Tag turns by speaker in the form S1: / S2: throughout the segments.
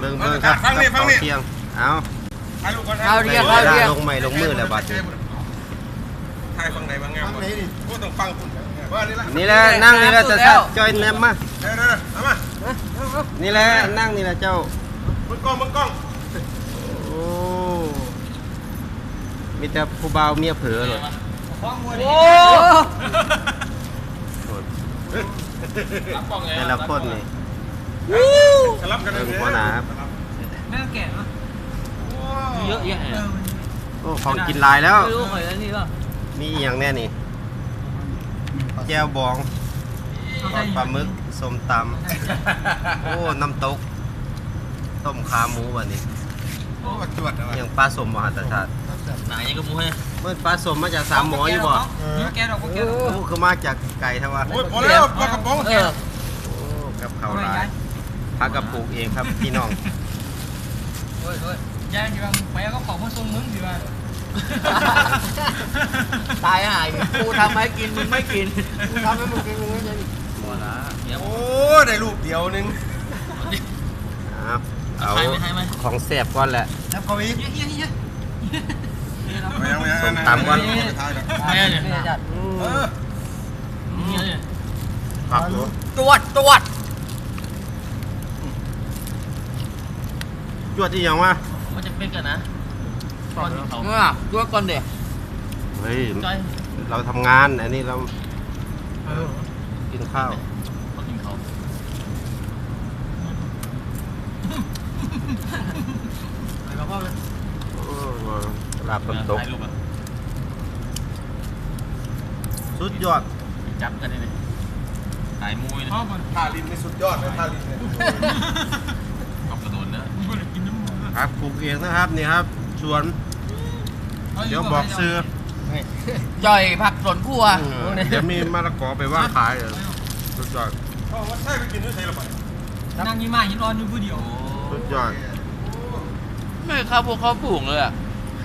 S1: เบิ่งครับกับข้าวเที่ยงเอา
S2: ข้าวเที่ยง
S1: ลงไม้ลงมือแล้วบาดนี้
S3: ไทยฟังไหนบางงามพูดต้องฟังคุณ
S1: นี่แหละนั่งนี่แหละจะจอยแนมมา
S3: เด้อเอามา
S1: นี่แหละนั่งนี่แหละเจ้า
S3: มึงกล้อง
S1: โอ้มีแต่ผู้บ่าวเมียเผลอเลย
S2: โอ้
S1: แต่ละคนนี่
S3: สลับกันเลย
S1: หัวหนาครับ
S2: แม่แก่มั้ยเยอะแยะ
S1: โอ้ของกินลายแล้ว
S2: ไม่รู้หอยแล้วนี่ป่ะ
S1: มีอย่างแน่นี่แก้วบองปลาหมึกส้มตำโอ้น้ำตกต้มขาหมูวันนี้อย่างปลาสมมหาศาล
S2: ไหนยังกับหมูให้
S1: เมื่อปลาสมมาจากสามหมออยู่บ่
S2: แกดอกแกดอก
S1: คือมาจากไก่ทั้งวัน
S3: โอ้ยพอแล้วปลากระป๋อง
S1: โอ้กับเขาลายพักกับปลูกเองครับพี่น้อง
S2: โอ้ยย่างอยู่ไปก็ของมาส่งมึงดีว่าตายหายกูทำให้กินมึงไม่กิน
S1: กูทำให้มึงกินมึงไม่กิน
S2: หมดละ
S3: โอ้ได้ลูกเดียวนึง
S1: เอาของแสบก่อนแหละ
S3: แล้วก็อีก
S1: ส้มตำก่อนผัก
S2: ตรวจจว
S1: ดที่ยังวะ
S2: มันจะเป็นกันนะก่อนเขาจวดก่อนเดี๋ยว
S1: เฮ้ยเราทำงานอันนี้เรากินข้าว
S2: กินเขา
S1: ลาบต้มตกสุดยอด
S2: จับกันได้เลยขายมวยนะ
S3: ทาลินไม่สุดยอดเลยทาลินเนี่ย
S2: ขับกระโดดนะครับ
S1: ปลูกเองนะครับนี่ครับสวนเดี๋ยวบอกซื้อ
S2: จ่อยผักสวนครัว
S1: เดี๋ยวมีมะละกอไปว่างขายสุดยอด
S3: ว่าใช่ไปกินด้วยใช่หรือเปล่า
S2: นั่งยิ้มมายิ้มร้อนอยู่ผู้เดียว
S1: สุดยอด
S2: ไม่ข้าวพวกเขาปลูกเลยอ่ะ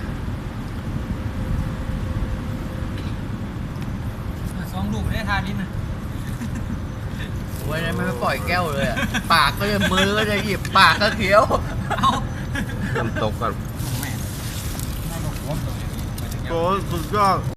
S2: 2 ลูกได้ทานนิดนึงโอ้ยไม่ปล่อยแก้วเลยปากก็จะมือก็จะหยิบปากก็เคี้ยว
S1: น้ำตกก่อนโอ้สุดยอด